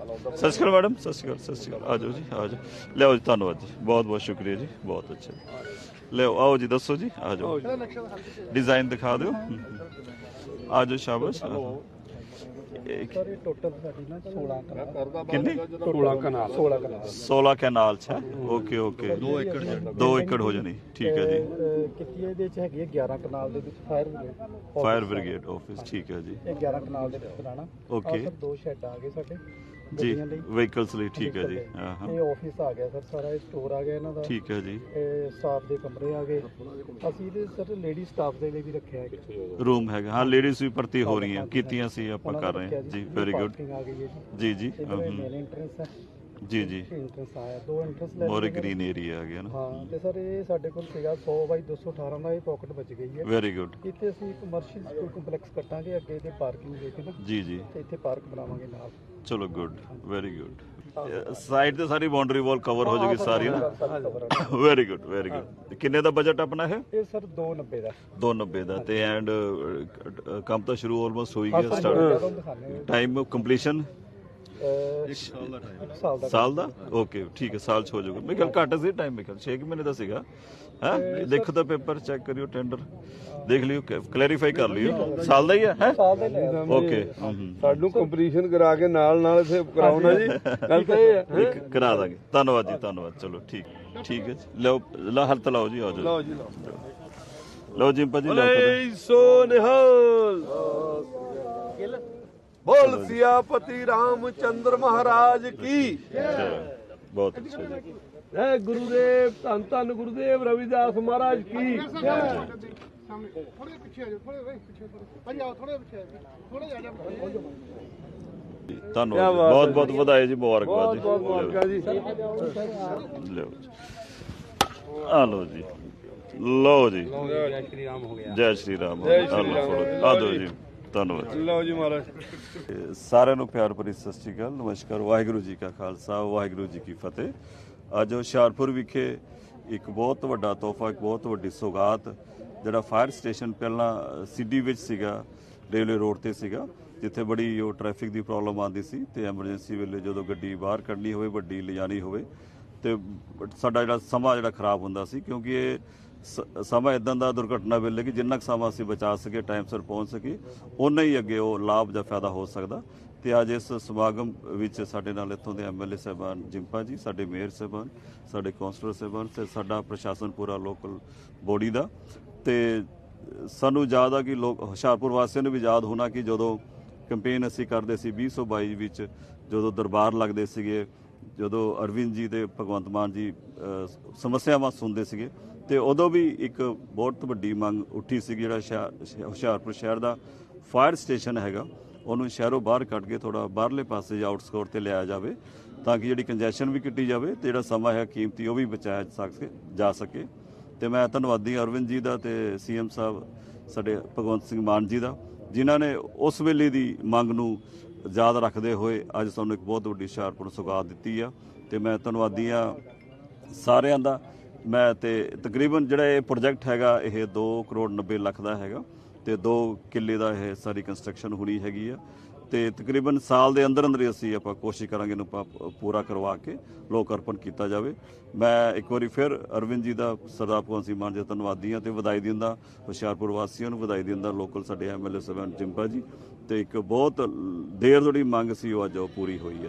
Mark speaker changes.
Speaker 1: ਸਤਿ ਸ਼੍ਰੀ ਅਕਾਲ ਮੈਡਮ, ਸਤਿ ਸ਼੍ਰੀ ਅਕਾਲ, ਸਤਿ ਸ਼੍ਰੀ ਅਕਾਲ। ਆ ਜਾਓ ਜੀ, ਆ ਜਾਓ। ਲਿਆਓ ਜੀ, ਧੰਨਵਾਦ ਜੀ, ਬਹੁਤ ਬਹੁਤ ਸ਼ੁਕਰੀਆ ਜੀ, ਬਹੁਤ ਅੱਛਾ ਜੀ। ਲਿਆਓ, ਆਓ ਜੀ, ਦੱਸੋ ਜੀ, ਆ ਜਾਓ। ਡਿਜ਼ਾਈਨ ਦਿਖਾ ਦਿਓ। ਆ ਜਾਓ, ਸ਼ਾਬਾਸ਼।
Speaker 2: ਸਰ ਇਹ ਟੋਟਲ ਸਾਡੀ ਨਾ 16 ਕਨਾਲ
Speaker 1: ਕਿੰਨੀ
Speaker 2: 16 ਕਨਾਲ 16 ਕਨਾਲ
Speaker 1: 16 ਕੈਨਾਲ ਚ। ਓਕੇ ਓਕੇ, 2 ਏਕੜ ਹੋ ਜਾਣੀ, ਠੀਕ ਹੈ ਜੀ।
Speaker 2: ਕਿਤੇ ਇਹਦੇ ਚ ਹੈਗੀ ਹੈ 11 ਕਨਾਲ ਦੇ ਵਿੱਚ
Speaker 1: ਫਾਇਰ ਬ੍ਰਿਗੇਡ ਆਫਿਸ, ਠੀਕ ਹੈ ਜੀ।
Speaker 2: ਇਹ 11 ਕਨਾਲ ਦੇ ਵਿੱਚ ਬਣਾਉਣਾ।
Speaker 1: ਓਕੇ
Speaker 2: ਸਰ 2 ਸ਼ੈੱਡ ਆ ਗਏ ਸਾਡੇ
Speaker 1: ਜੀ,
Speaker 2: ਗੱਡੀਆਂ ਲਈ,
Speaker 1: ਵਹੀਕਲਸ ਲਈ, ਠੀਕ ਹੈ ਜੀ। ਹਾਂ ਹਾਂ,
Speaker 2: ਇਹ ਆਫਿਸ ਆ ਗਿਆ ਸਰ, ਸਾਰਾ ਇਹ ਸਟੋਰ ਆ ਗਿਆ ਇਹਨਾਂ ਦਾ,
Speaker 1: ਠੀਕ ਹੈ ਜੀ।
Speaker 2: ਇਹ ਸਟਾਫ ਦੇ ਕਮਰੇ ਆ ਗਏ। ਅਸੀਂ ਇਹਦੇ ਸਰ ਲੇਡੀ ਸਟਾਫ ਦੇ ਲਈ ਵੀ ਰੱਖਿਆ ਹੈ
Speaker 1: ਰੂਮ ਹੈਗਾ, ਹਾਂ, ਲੇਡੀਜ਼ ਵੀ ਭਰਤੀ ਹੋ ਰਹੀਆਂ, ਕੀਤੀਆਂ ਸੀ ਆਪਾਂ ਕਰ ਰਹੇ ਹਾਂ ਜੀ। ਵੈਰੀ ਗੁੱਡ
Speaker 2: ਆ ਗਈ ਹੈ
Speaker 1: ਜੀ ਜੀ।
Speaker 2: ਮੇਨ ਐਂਟਰੈਂਸ ਹੈ
Speaker 1: ਜੀ ਜੀ,
Speaker 2: ਇੰਟਰੈਂਸ ਆਇਆ, 2 ਇੰਟਰੈਂਸ ਲੈ
Speaker 1: ਮੋਰੇ ਗ੍ਰੀਨ ਏਰੀਆ ਆ ਗਿਆ ਨਾ।
Speaker 2: ਹਾਂ। ਤੇ ਸਰ ਇਹ ਸਾਡੇ ਕੋਲ ਸੀਗਾ 100 ਬਾਈ 218 ਦਾ, ਇਹ ਪਾਕਟ ਬਚ ਗਈ ਹੈ।
Speaker 1: ਵੈਰੀ ਗੁੱਡ
Speaker 2: ਇੱਥੇ ਅਸੀਂ ਕਮਰਸ਼ੀਅਲ ਕੰਪਲੈਕਸ ਕੱਟਾਂਗੇ ਅੱਗੇ ਤੇ ਪਾਰਕਿੰਗ ਦੇ ਕੇ ਨਾ,
Speaker 1: ਜੀ ਜੀ,
Speaker 2: ਤੇ ਇੱਥੇ ਪਾਰਕ ਬਣਾਵਾਂਗੇ ਨਾਲ।
Speaker 1: ਚਲੋ ਗੁੱਡ, ਵੈਰੀ ਗੁੱਡ। ਸਾਈਡ ਤੇ ਸਾਰੀ ਬਾਉਂਡਰੀ ਵਾਲ ਕਵਰ ਹੋ ਜਾਏਗੀ ਸਾਰੀ ਨਾ। Very good, very good. ਕਿੰਨੇ ਦਾ ਬਜਟ ਆਪਣਾ ਹੈ?
Speaker 2: ਇਹ ਸਰ 290 ਦਾ।
Speaker 1: 290 ਦਾ। ਤੇ ਐਂਡ ਕੰਮ ਤਾਂ ਸ਼ੁਰੂ ਆਲਮੋਸਟ ਹੋ ਹੀ ਗਿਆ, ਸਟਾਰਟ। ਟਾਈਮ ਕੰਪਲੀਸ਼ਨ
Speaker 2: 1 ਸਾਲ ਦਾ।
Speaker 1: ਸਾਲ ਦਾ? ਓਕੇ, ਠੀਕ ਹੈ, ਸਾਲ ਚ ਹੋ ਜਾਊਗਾ। ਮੇਰੇ ਖਿਆਲ ਘੱਟ ਸੀ ਟਾਈਮ, ਮੇਰੇ ਖਿਆਲ 6 ਮਹੀਨੇ ਦਾ ਸੀਗਾ। ਹੈ, ਦੇਖੋ ਤਾਂ ਪੇਪਰ ਚੈੱਕ ਕਰਿਓ, ਟੈਂਡਰ ਦੇਖ ਲਿਓ, ਕਲੈਰੀਫਾਈ ਕਰ ਲਿਓ। ਸਾਲ ਦਾ ਹੀ ਹੈ?
Speaker 2: ਸਾਲ ਦਾ ਹੀ ਲਿਆ।
Speaker 1: ਓਕੇ,
Speaker 3: ਸਾਨੂੰ ਕੰਪਲੀਸ਼ਨ ਕਰਾ ਕੇ ਨਾਲ ਇੱਥੇ ਕਰਾਉਣਾ ਜੀ। ਗੱਲ ਤਾਂ ਇਹ ਹੈ,
Speaker 1: ਕਰਾ ਦਾਂਗੇ। ਧੰਨਵਾਦ ਜੀ, ਧੰਨਵਾਦ। ਚਲੋ ਠੀਕ, ਠੀਕ ਹੈ ਜੀ। ਲਓ, ਹੱਥ ਲਾਓ ਜੀ, ਆ ਜਾਓ।
Speaker 3: ਲਓ ਜੀ
Speaker 1: ਲਓ ਜੀ ਭਾਜੀ, ਲਓ।
Speaker 3: ਸੋ ਨਿਹਾਲ ਬੋਲ ਸਿਆਪਤੀ ਰਾਮਚੰਦਰ ਮਹਾਰਾਜ ਕੀ।
Speaker 1: ਬਹੁਤ ਅੱਛਾ ਜੀ।
Speaker 3: ਜੈ ਗੁਰੂਦੇਵ, ਧੰਨ ਧੰਨ ਗੁਰੂਦੇਵ ਰਵਿਦਾਸ ਮਹਾਰਾਜ ਕੀ।
Speaker 2: ਥੋੜੇ ਪਿੱਛੇ ਆ ਜਾਓ, ਥੋੜੇ ਪਿੱਛੇ, ਭਾਈ ਆਓ, ਥੋੜੇ ਪਿੱਛੇ ਥੋੜੇ ਆ ਜਾਓ।
Speaker 1: ਧੰਨਵਾਦ, ਬਹੁਤ ਬਹੁਤ ਵਧਾਈ ਜੀ, ਮੁਬਾਰਕਬਾਦ ਜੀ।
Speaker 3: ਬਹੁਤ ਮੁਬਾਰਕਾਂ ਜੀ।
Speaker 1: ਲਓ ਜੀ, ਆ ਲਓ ਜੀ, ਲਓ ਜੀ।
Speaker 3: ਜੈ ਸ਼੍ਰੀ ਰਾਮ ਹੋ ਗਿਆ।
Speaker 1: ਜੈ ਸ਼੍ਰੀ ਰਾਮ। ਆ ਦਿਓ ਜੀ, ਧੰਨਵਾਦ।
Speaker 3: ਲਓ ਜੀ ਮਹਾਰਾਜ।
Speaker 1: ਸਾਰਿਆਂ ਨੂੰ ਪਿਆਰ ਭਰੀ ਸਤਿ ਸ਼੍ਰੀ ਅਕਾਲ, ਨਮਸਕਾਰ। ਵਾਹਿਗੁਰੂ ਜੀ ਕਾ ਖਾਲਸਾ, ਵਾਹਿਗੁਰੂ ਜੀ ਕੀ ਫਤਿਹ। ਅੱਜ ਹੁਸ਼ਿਆਰਪੁਰ ਵਿਖੇ ਇੱਕ ਬਹੁਤ ਵੱਡਾ ਤੋਹਫਾ, ਇੱਕ ਬਹੁਤ ਵੱਡੀ ਸੌਗਾਤ, ਜਿਹੜਾ ਫਾਇਰ ਸਟੇਸ਼ਨ ਪਹਿਲਾਂ ਸਿੱਡੀ ਵਿੱਚ ਸੀਗਾ, ਰੇਲਵੇ ਰੋਡ ਤੇ ਸੀਗਾ, ਜਿੱਥੇ ਬੜੀ ਉਹ ਟ੍ਰੈਫਿਕ ਦੀ ਪ੍ਰੋਬਲਮ ਆਉਂਦੀ ਸੀ, ਤੇ ਐਮਰਜੈਂਸੀ ਵੇਲੇ ਜਦੋਂ ਗੱਡੀ ਬਾਹਰ ਕੱਢਣੀ ਹੋਵੇ, ਵੱਡੀ ਲਿਜਾਣੀ ਹੋਵੇ, ਤੇ ਸਾਡਾ ਜਿਹੜਾ ਸਮਾਂ ਜਿਹੜਾ ਖਰਾਬ ਹੁੰਦਾ ਸੀ, ਕਿਉਂਕਿ ਇਹ ਸਮਾਂ ਇਦਾਂ ਦਾ ਦੁਰਘਟਨਾ ਵੇਲੇ ਕਿ ਜਿੰਨਾ ਕੁ ਸਮਾਂ ਅਸੀਂ ਬਚਾ ਸਕੇ, ਟਾਈਮ ਸਿਰ ਪਹੁੰਚ ਸਕੇ, ਉਨਾ ਹੀ ਅੱਗੇ ਉਹ ਲਾਭ ਜਾਂ ਫਾਇਦਾ ਹੋ ਸਕਦਾ। ਤੇ ਅੱਜ ਇਸ ਸਮਾਗਮ ਵਿੱਚ ਸਾਡੇ ਨਾਲ ਇੱਥੋਂ ਦੇ ਐਮਐਲਏ ਸਾਹਿਬਾਨ ਜਿੰਪਾ ਜੀ, ਸਾਡੇ ਮੇਅਰ ਸਾਹਿਬਾਨ, ਸਾਡੇ ਕੌਂਸਲਰ ਸਾਹਿਬਾਨ, ਤੇ ਸਾਡਾ ਪ੍ਰਸ਼ਾਸਨ ਪੂਰਾ ਲੋਕਲ ਬੋਡੀ ਦਾ। ਤੇ ਸਾਨੂੰ ਯਾਦ ਆ ਕਿ ਲੋਕ ਹੁਸ਼ਿਆਰਪੁਰ ਵਾਸੀਆਂ ਨੂੰ ਵੀ ਯਾਦ ਹੋਣਾ ਕਿ ਜਦੋਂ ਕੰਪੇਨ ਅਸੀਂ ਕਰਦੇ ਸੀ 2022 ਵਿੱਚ, ਜਦੋਂ ਦਰਬਾਰ ਲੱਗਦੇ ਸੀਗੇ, ਜਦੋਂ ਅਰਵਿੰਦ ਜੀ ਤੇ ਭਗਵੰਤ ਮਾਨ ਜੀ ਸਮੱਸਿਆਵਾਂ ਸੁਣਦੇ ਸੀਗੇ, ਤੇ ਉਦੋਂ ਵੀ ਇੱਕ ਬਹੁਤ ਵੱਡੀ ਮੰਗ ਉੱਠੀ ਸੀ, ਜਿਹੜਾ ਹੁਸ਼ਿਆਰਪੁਰ ਸ਼ਹਿਰ ਦਾ ਫਾਇਰ ਸਟੇਸ਼ਨ ਹੈਗਾ, ਉਹਨੂੰ ਸ਼ਹਿਰੋਂ ਬਾਹਰ ਕੱਢ ਕੇ ਥੋੜਾ ਬਾਹਰਲੇ ਪਾਸੇ ਆਊਟਸਕੋਰ ਤੇ ਲਿਆਇਆ ਜਾਵੇ, ਤਾਂ ਕਿ ਜਿਹੜੀ ਕੰਜੈਸ਼ਨ ਵੀ ਕੱਟੀ ਜਾਵੇ, ਤੇ ਜਿਹੜਾ ਸਮਾਂ ਹੈ ਕੀਮਤੀ ਉਹ ਵੀ ਬਚਾਇਆ ਜਾ ਸਕੇ। ਤੇ ਮੈਂ ਧੰਨਵਾਦੀ ਅਰਵਿੰਦ ਜੀ ਦਾ ਤੇ ਸੀਐਮ ਸਾਹਿਬ ਸਾਡੇ ਭਗਵੰਤ ਸਿੰਘ ਮਾਨ ਜੀ ਦਾ, ਜਿਨ੍ਹਾਂ ਨੇ ਉਸ ਵੇਲੇ ਦੀ ਮੰਗ ਨੂੰ ਯਾਦ ਰੱਖਦੇ ਹੋਏ ਅੱਜ ਸਾਨੂੰ ਇੱਕ ਬਹੁਤ ਵੱਡੀ ਹੁਸ਼ਿਆਰਪੁਰ ਸੌਗਾਤ ਦਿੱਤੀ ਆ। ਤੇ ਮੈਂ ਧੰਨਵਾਦੀ ਆ ਸਾਰਿਆਂ ਦਾ। ਮੈਂ ਤੇ ਤਕਰੀਬਨ ਜਿਹੜਾ ਇਹ ਪ੍ਰੋਜੈਕਟ ਹੈਗਾ, ਇਹ 2 ਕਰੋੜ 90 ਲੱਖ ਦਾ ਹੈਗਾ, ਤੇ 2 ਕਿੱਲੇ ਦਾ ਇਹ ਸਾਰੀ ਕੰਸਟਰਕਸ਼ਨ ਹੋਣੀ ਹੈਗੀ ਆ, ਤੇ ਤਕਰੀਬਨ ਸਾਲ ਦੇ ਅੰਦਰ ਅੰਦਰ ਹੀ ਅਸੀਂ ਆਪਾਂ ਕੋਸ਼ਿਸ਼ ਕਰਾਂਗੇ ਇਹਨੂੰ ਪੂਰਾ ਕਰਵਾ ਕੇ ਲੋਕ ਅਰਪਣ ਕੀਤਾ ਜਾਵੇ। ਮੈਂ ਇੱਕ ਵਾਰੀ ਫਿਰ ਅਰਵਿੰਦ ਜੀ ਦਾ, ਸਰਦਾਰ ਭਗਵੰਤ ਸਿੰਘ ਮਾਨ ਜੀ ਦਾ ਧੰਨਵਾਦੀ ਹਾਂ, ਤੇ ਵਧਾਈ ਦਿੰਦਾ ਹੁਸ਼ਿਆਰਪੁਰ ਵਾਸੀਆਂ ਨੂੰ, ਵਧਾਈ ਦਿੰਦਾ ਲੋਕਲ ਸਾਡੇ ਐਮਐਲਏ ਸਾਹਿਬਾਨ ਜਿੰਪਾ ਜੀ। ਤੇ ਇੱਕ ਬਹੁਤ ਦੇਰ ਤੋਂ ਜਿਹੜੀ ਮੰਗ ਸੀ ਉਹ ਅੱਜ ਉਹ ਪੂਰੀ ਹੋਈ ਹੈ।